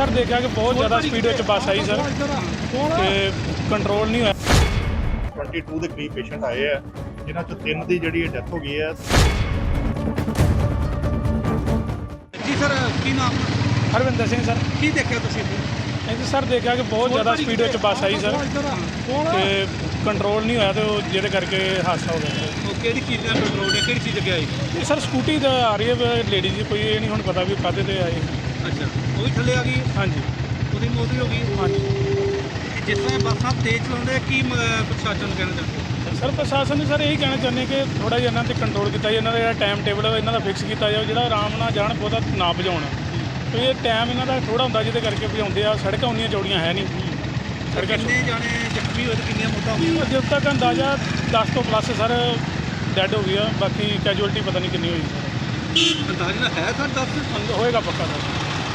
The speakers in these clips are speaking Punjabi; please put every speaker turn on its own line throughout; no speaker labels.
सर देखा कि बहुत ज़्यादा स्पीड में बस आई सर कि कंट्रोल नहीं होया।
22 ਦੇ ਕਰੀਬ ਪੇਸ਼ੈਂਟ ਆਏ ਆ ਜਿਨ੍ਹਾਂ ਚੋਂ 3 ਦੀ ਜਿਹੜੀ ਡੈਥ ਹੋ ਗਈ ਹੈ।
ਜੀ ਸਰ ਕੀ ਨਾਮ
हरविंदर सिंह सर
ਕੀ ਦੇਖਿਆ ਤੁਸੀਂ
नहीं सर देखा कि बहुत ज़्यादा स्पीड में बस आई सर कि कंट्रोल नहीं होया तो जिहदे करके हादसा हो गया।
ਉਹ ਕਿਹੜੀ ਚੀਜ਼ ਨਾਲ ਕੰਟਰੋਲ ਹੈ ਕਿਹੜੀ ਚੀਜ਼ ਅੱਗੇ ਆਈ
ये सर स्कूटी तो आ रही है लेडी जी कोई ये नहीं हुण पता भी काहदे ते आई।
ਅੱਛਾ ਉਹ ਵੀ ਥੱਲੇ ਆ ਗਈ
हाँ जी
ਉਹਦੀ ਮੌਤ ਵੀ ਹੋ ਗਈ
हाँ जी
ਜਿਸ ਤਰ੍ਹਾਂ ਬੱਸਾਂ ਤੇਜ਼ ਚਲਾਉਂਦੇ ਕੀ ਪ੍ਰਸ਼ਾਸਨ ਨੂੰ ਕਹਿਣਾ ਚਾਹੁੰਦੇ
ਸਰ ਪ੍ਰਸ਼ਾਸਨ ਨੂੰ ਸਰ ਇਹੀ ਕਹਿਣਾ ਚਾਹੁੰਦੇ ਕਿ ਥੋੜਾ ਜਿਹਾ ਇਹਨਾਂ ਤੇ ਕੰਟਰੋਲ ਕੀਤਾ ਜਾਏ, ਇਹਨਾਂ ਦਾ ਜਿਹੜਾ ਟਾਈਮ ਟੇਬਲ ਹੈ ਇਹਨਾਂ ਦਾ ਫਿਕਸ ਕੀਤਾ ਜਾਵੇ, ਜਿਹੜਾ ਆਰਾਮ ਨਾਲ ਜਾਣ ਬਹੁਤਾ ਨਾ ਭਜਾਉਣ। ਤੇ ਇਹ ਟਾਈਮ ਇਹਨਾਂ ਦਾ ਥੋੜਾ ਹੁੰਦਾ ਜਿਹਦੇ ਕਰਕੇ ਭਜਾਉਂਦੇ ਆ। ਸੜਕਾਂ ਉਨੀਆਂ ਚੌੜੀਆਂ ਹੈ ਨਹੀਂ, ਸੜਕਾਂ
ਕਿੰਨੇ ਜਾਣੇ ਜ਼ਖਮੀ ਹੋਏ ਤੇ ਕਿੰਨੀਆਂ ਮੌਤਾਂ ਹੋਈਆਂ
ਜਦ ਤੱਕ ਅੰਦਾਜ਼ਾ 10 ਤੋਂ ਪਲੱਸ ਸਰ ਡੈਡ ਹੋ ਗਈ ਆ, ਬਾਕੀ ਕੈਜੂਅਲਟੀ ਪਤਾ ਨਹੀਂ ਕਿੰਨੀ ਹੋਈ ਸਰ,
ਅੰਦਾਜ਼ਾ ਹੈ ਸਰ 10
ਹੋਏਗਾ ਪੱਕਾ ਸਰ।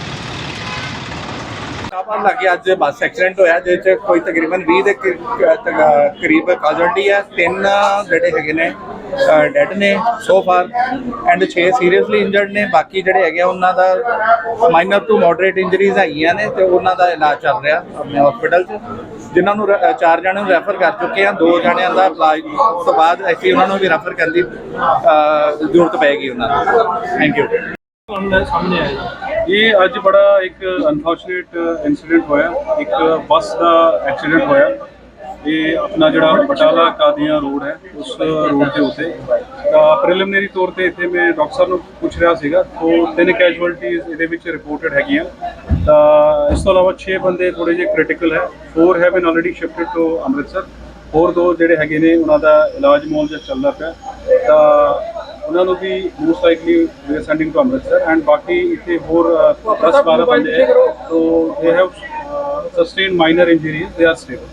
ਕਾਪਾਂ ਲੱਗੇ ਅੱਜ ਬੱਸ ਐਕਸੀਡੈਂਟ ਹੋਇਆ ਜਿਹਦੇ ਚ ਕੋਈ ਤਕਰੀਬਨ 20 ਦੇ ਕਰੀਬ ਕਾਜ਼ੁਅਲਟੀ ਹੈ। 3 ਜਿਹੜੇ ਹੈਗੇ ਨੇ ਡੈਡ ਨੇ so far and 6 seriously injured ਨੇ। ਬਾਕੀ ਜਿਹੜੇ ਹੈਗੇ ਉਹਨਾਂ ਦਾ ਮਾਈਨਰ ਟੂ ਮੋਡਰੇਟ ਇੰਜਰੀਜ਼ ਹੈਗੀਆਂ ਨੇ ਤੇ ਉਹਨਾਂ ਦਾ ਇਲਾਜ ਚੱਲ ਰਿਹਾ ਆਪਣੇ ਹਸਪੀਟਲ 'ਚ, ਜਿਨ੍ਹਾਂ ਨੂੰ 4 ਜਣਿਆਂ ਨੂੰ ਰੈਫਰ ਕਰ ਚੁੱਕੇ ਆ। 2 ਜਣਿਆਂ ਦਾ ਇਲਾਜ ਤੋਂ ਬਾਅਦ ਅਸੀਂ ਉਹਨਾਂ ਨੂੰ ਵੀ ਰੈਫਰ ਕਰਨ ਦੀ ਜ਼ਰੂਰਤ ਪਏਗੀ ਉਹਨਾਂ ਨੂੰ। Thank you.
ਸਾਹਮਣੇ ਆਇਆ ਇਹ ਅੱਜ ਬੜਾ ਇੱਕ ਅਨਫੋਰਚੂਨੇਟ ਇਨਸੀਡੈਂਟ ਹੋਇਆ, ਇੱਕ ਬੱਸ ਦਾ ਐਕਸੀਡੈਂਟ ਹੋਇਆ। ਇਹ ਆਪਣਾ ਜਿਹੜਾ ਬਟਾਲਾ ਕਾਦੀਆਂ ਰੋਡ ਹੈ ਉਸ ਰੋਡ ਦੇ ਉੱਤੇ ਤਾਂ ਪ੍ਰੀਲਿਮਿਨਰੀ ਤੌਰ ਤੇ ਇੱਥੇ ਮੈਂ ਡਾਕਟਰ ਸਾਹਿਬ ਨੂੰ ਪੁੱਛ ਰਿਹਾ ਸੀਗਾ ਤਾਂ 3 ਕੈਜੂਅਲਟੀਜ਼ ਇਹਦੇ ਵਿੱਚ ਰਿਪੋਰਟਡ ਹੈਗੀਆਂ। ਤਾਂ ਇਸ ਤੋਂ ਇਲਾਵਾ 6 ਬੰਦੇ ਥੋੜੇ ਜਿਹੇ ਕ੍ਰਿਟੀਕਲ ਹੈ। 4 have been already shifted to Amritsar. ਹੋਰ 2 ਜਿਹੜੇ ਹੈਗੇ ਨੇ ਉਹਨਾਂ ਦਾ ਇਲਾਜ ਮੌਲ ਜਿਹਾ ਚੱਲਦਾ ਪਿਆ। ਤਾਂ ਉਹਨਾਂ ਨੂੰ ਵੀ most likely we are sending to Amritsar and ਬਾਕੀ ਇੱਥੇ ਹੋਰ 10-12 ਬੰਦੇ ਹੈ ਤੋ they have sustain minor injuries, they are stable.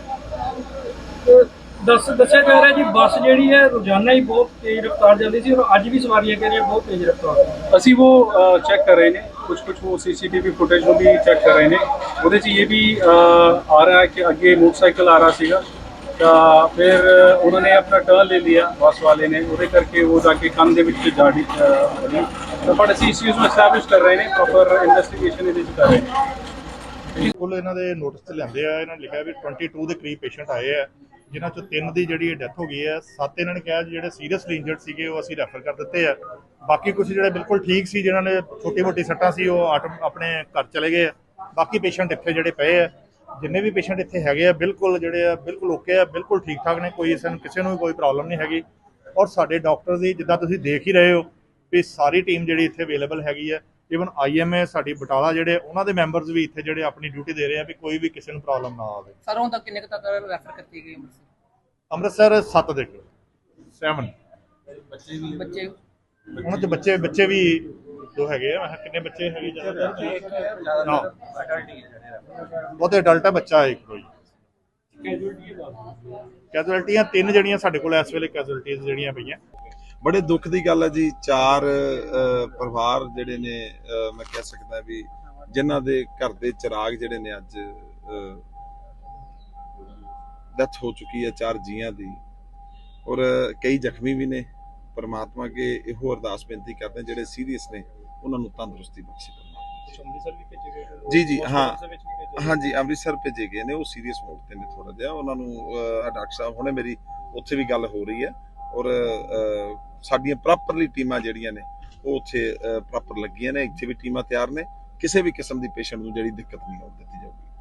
ਦੱਸਿਆ ਜਾ ਰਿਹਾ ਜੀ ਬੱਸ ਜਿਹੜੀ ਹੈ ਰੋਜ਼ਾਨਾ ਹੀ ਬਹੁਤ ਤੇਜ਼ ਰਫ਼ਤਾਰ ਜਾਂਦੀ ਸੀ ਔਰ ਅੱਜ ਵੀ ਸਵਾਰੀਆਂ ਕਹਿ ਰਹੀਆਂ ਬਹੁਤ ਤੇਜ਼ ਰਫ਼ਤਾਰ।
ਅਸੀਂ ਉਹ ਚੈੱਕ ਕਰ ਰਹੇ ਨੇ, ਕੁਝ ਉਹ CCTV ਫੁਟੇਜ ਨੂੰ ਵੀ ਚੈੱਕ ਕਰ ਰਹੇ ਨੇ। ਉਹਦੇ 'ਚ ਇਹ ਵੀ ਆ ਰਿਹਾ ਹੈ ਕਿ ਅੱਗੇ ਮੋਟਰਸਾਈਕਲ ਆ ਰਿਹਾ ਸੀਗਾ ਤਾਂ ਫਿਰ ਉਹਨਾਂ ਨੇ ਆਪਣਾ ਟਰਨ ਲੈ ਲਿਆ ਬੱਸ ਵਾਲੇ ਨੇ, ਉਹਦੇ ਕਰਕੇ ਉਹ ਜਾ ਕੇ ਕੰਨ ਦੇ ਵਿੱਚ ਜਾੜੀ ਬਟ ਅਸੀਂ ਇਸ ਚੀਜ਼ ਨੂੰ ਐਸਟੈਬਲਿਸ਼ ਕਰ ਰਹੇ ਨੇ, ਪ੍ਰੋਪਰ ਇਨਵੈਸਟੀਗੇਸ਼ਨ ਇਹਦੇ 'ਚ ਕਰ ਰਹੇ ਨੇ।
ਕੁੱਲ ਇਹਨਾਂ ਦੇ ਨੋਟਿਸ ਤੇ ਲਿਆਂਦੇ ਆ। ਇਹਨਾਂ ਨੇ ਲਿਖਿਆ ਵੀ 22 ਦੇ ਕਰੀਬ ਪੇਸ਼ੈਂਟ ਆਏ ਆ ਜਿਨ੍ਹਾਂ ਚੋਂ 3 ਦੀ ਜਿਹੜੀ ਡੈਥ ਹੋ ਗਈ ਹੈ। 7 ਇਹਨਾਂ ਨੇ ਕਿਹਾ ਜਿਹੜੇ ਸੀਰੀਅਸਲੀ ਇੰਜਰਡ ਸੀਗੇ ਉਹ ਅਸੀਂ ਰੈਫਰ ਕਰ ਦਿੱਤੇ ਆ। ਬਾਕੀ ਕੁਝ ਜਿਹੜੇ ਬਿਲਕੁਲ ਠੀਕ ਸੀ, ਜਿਨ੍ਹਾਂ ਨੇ ਛੋਟੀ-ਮੋਟੀ ਸੱਟਾਂ ਸੀ, ਉਹ ਆਪਣੇ ਘਰ ਚਲੇ ਗਏ ਆ। ਬਾਕੀ ਪੇਸ਼ੈਂਟ ਇੱਥੇ ਜਿਹੜੇ ਪਏ ਆ, ਜਿੰਨੇ ਵੀ ਪੇਸ਼ੈਂਟ ਇੱਥੇ ਹੈਗੇ ਆ ਬਿਲਕੁਲ ਜਿਹੜੇ ਆ ਬਿਲਕੁਲ ਓਕੇ ਆ, ਬਿਲਕੁਲ ਠੀਕ ਠਾਕ ਨੇ। ਕੋਈ ਕਿਸੇ ਨੂੰ ਵੀ ਕੋਈ ਪ੍ਰੋਬਲਮ ਨਹੀਂ ਹੈਗੀ। ਔਰ ਸਾਡੇ ਡਾਕਟਰ ਦੀ ਜਿੱਦਾਂ ਤੁਸੀਂ ਦੇਖ ਹੀ ਰਹੇ ਹੋ ਵੀ ਸਾਰੀ ਟੀਮ ਜਿਹੜੀ ਇੱਥੇ ਅਵੇਲੇਬਲ ਹੈਗੀ ਆ। ਈਵਨ IMA ਸਾਡੀ ਬਟਾਲਾ ਜਿਹੜੇ ਉਹਨਾਂ ਦੇ ਮੈਂਬਰਸ ਵੀ ਇੱਥੇ ਜਿਹੜੇ ਆਪਣੀ ਡਿਊਟੀ ਦੇ ਰਹੇ ਆ ਵੀ ਕੋਈ ਵੀ ਕਿਸੇ ਨੂੰ ਪ੍ਰੋਬਲਮ ਨਾ ਆਵੇ।
ਸਰ ਹੁਣ ਤੱਕ ਕਿੰਨੇ ਕੁ ਤੱਕ ਰੈਫਰ ਕੀਤੀ ਗਈ
ਅੰਮ੍ਰਿਤਸਰ 7 ਦੇ 7
ਬੱਚੇ
ਉਹਨਾਂ ਚ ਬੱਚੇ ਵੀ 2 ਹੈਗੇ ਆ। ਮੈਂ ਕਿੰਨੇ ਬੱਚੇ ਹੈਗੇ ਜ਼ਿਆਦਾ ਬਹੁਤੇ ਅਡਲਟ ਆ, ਬੱਚਾ ਇੱਕ ਕੋਈ। ਕੈਜੂਅਲਟੀਆਂ 3 ਜਿਹੜੀਆਂ ਸਾਡੇ ਕੋਲ ਇਸ ਵੇਲੇ ਕੈਜੂਅਲਟੀਆਂ ਜਿਹੜੀਆਂ ਪਈਆਂ।
ਬੜੇ ਦੁੱਖ ਦੀ ਗੱਲ ਹੈ ਜੀ। 4 ਪਰਿਵਾਰ ਜਿਹੜੇ ਨੇ ਮੈਂ ਕਹਿ ਸਕਦਾ ਵੀ ਜਿਨ੍ਹਾਂ ਦੇ ਘਰ ਦੇ ਚਿਰਾਗ ਜਿਹੜੇ ਨੇ ਅੱਜ ਡੈਥ ਹੋ ਚੁੱਕੀ ਹੈ 4 ਜੀਆਂ ਦੀ, ਔਰ ਕਈ ਜ਼ਖਮੀ ਵੀ ਨੇ। ਪਰਮਾਤਮਾ ਅੱਗੇ ਇਹੋ ਅਰਦਾਸ ਬੇਨਤੀ ਕਰਦੇ ਜਿਹੜੇ ਸੀਰੀਅਸ ਨੇ ਉਹਨਾਂ ਨੂੰ ਤੰਦਰੁਸਤੀ ਬਖਸ਼ੇ। ਜੀ ਹਾਂਜੀ ਅੰਮ੍ਰਿਤਸਰ ਭੇਜੇ ਗਏ ਨੇ, ਉਹ ਸੀਰੀਅਸ ਮੋਡ ਤੇ ਨੇ ਥੋੜਾ ਜਿਹਾ। ਉਹਨਾਂ ਨੂੰ ਡਾਕਟਰ ਸਾਹਿਬ ਹੁਣੇ ਮੇਰੀ ਉੱਥੇ ਵੀ ਗੱਲ ਹੋ ਰਹੀ ਹੈ ਔਰ ਸਾਡੀਆਂ ਪ੍ਰੋਪਰਲੀ ਟੀਮਾਂ ਜਿਹੜੀਆਂ ਨੇ ਉਹ ਉੱਥੇ ਪ੍ਰੋਪਰ ਲੱਗੀਆਂ ਨੇ। ਇੱਥੇ ਵੀ ਟੀਮਾਂ ਤਿਆਰ ਨੇ, ਕਿਸੇ ਵੀ ਕਿਸਮ ਦੀ ਪੇਸ਼ੈਂਟ ਨੂੰ ਜਿਹੜੀ ਦਿੱਕਤ ਨਹੀਂ ਆਉਣ ਦਿੱਤੀ ਜਾਊਗੀ।